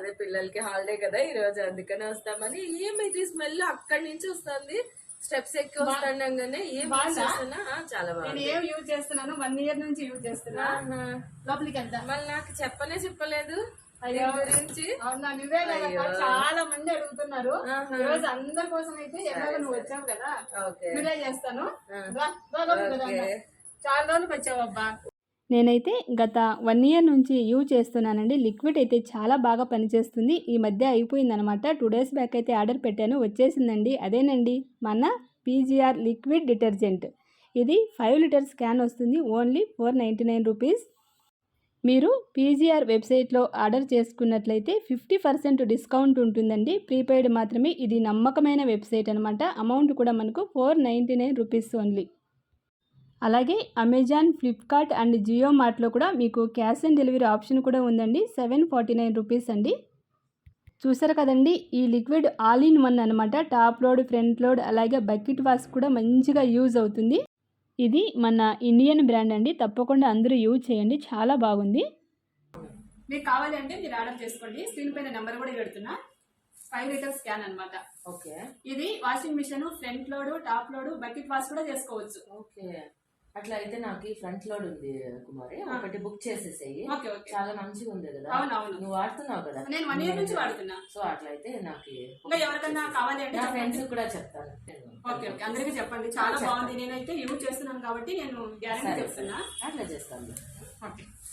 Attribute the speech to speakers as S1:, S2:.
S1: అదే పిల్లలకి హాలిడే కదా ఈ రోజు, అందుకనే వస్తామని. ఏమైతే స్మెల్ అక్కడి నుంచి వస్తుంది, స్టెప్స్ ఎక్కి వస్తుండగానే ఏం చేస్తున్నా చాలా బాగుంది.
S2: ఏం యూజ్ చేస్తున్నాను, 1 year నుంచి యూజ్ చేస్తున్నా. లోపలికి వెళ్తా.
S1: మళ్ళీ నాకు చెప్పలేదు గురించి.
S2: అవునా, నువ్వే చాలా మంది అడుగుతున్నారు. ఈ రోజు అందరి కోసం అయితే ఎలాగో నువ్వు వచ్చావు కదా, నువ్వే చేస్తాను. చాలా రోజులకు వచ్చావు అబ్బా. నేనైతే గత 1 year నుంచి యూజ్ చేస్తున్నానండి. లిక్విడ్ అయితే చాలా బాగా పనిచేస్తుంది. ఈ మధ్య అయిపోయిందనమాట. 2 days బ్యాక్ అయితే ఆర్డర్ పెట్టాను, వచ్చేసిందండి. అదేనండి మన పీజీఆర్ లిక్విడ్ డిటర్జెంట్. ఇది 5 లీటర్స్ క్యాన్ వస్తుంది, ఓన్లీ 499 రూపీస్. మీరు పీజీఆర్ వెబ్సైట్లో ఆర్డర్ చేసుకున్నట్లయితే 50% డిస్కౌంట్ ఉంటుందండి. ప్రీపెయిడ్ మాత్రమే. ఇది నమ్మకమైన వెబ్సైట్ అనమాట. అమౌంట్ కూడా మనకు 499 రూపీస్ ఓన్లీ. అలాగే అమెజాన్, ఫ్లిప్కార్ట్ అండ్ జియో మార్ట్లో కూడా మీకు క్యాష్ ఆన్ డెలివరీ ఆప్షన్ కూడా ఉందండి. 749 రూపీస్ అండి. చూసారు కదండి, ఈ లిక్విడ్ ఆల్ ఇన్ వన్ అనమాట. టాప్ లోడ్, ఫ్రంట్ లోడ్, అలాగే బకెట్ వాష్ కూడా మంచిగా యూజ్ అవుతుంది. ఇది మన ఇండియన్ బ్రాండ్ అండి. తప్పకుండా అందరూ యూజ్ చేయండి, చాలా బాగుంది. మీకు కావాలి అంటే మీరు ఆర్డర్ చేసుకోండి. స్క్రీన్ పైన నెంబర్ కూడా పెడుతున్నా. 5 లీటర్స్ క్యాన్ అనమాట.
S1: ఓకే, ఇది
S2: washing machine, front load, top load, bucket wash కూడా చేసుకోవచ్చు.
S1: ఓకే, అట్లా అయితే నాకు ఫ్రంట్ లోడ్ ఉంది కుమారి, ఒకటి బుక్ చేసేసేయి. చాలా మంచిగా ఉంది కదా.
S2: అవునవును,
S1: నువ్వు వాడుతున్నావు కదా.
S2: నేను 1 year నుంచి వాడుతున్నా.
S1: సో అట్లా అయితే నాకు
S2: ఎవరికన్నా కావాలి అంటే
S1: నా ఫ్రెండ్స్ కూడా చెప్తాను.
S2: ఓకే ఓకే, అందరికీ చెప్పండి, చాలా బాగుంది. నేనైతే యూజ్ చేస్తున్నాను కాబట్టి నేను గ్యారెంటీ చెప్తున్నా.
S1: అట్లా చేస్తాను.
S2: ఓకే.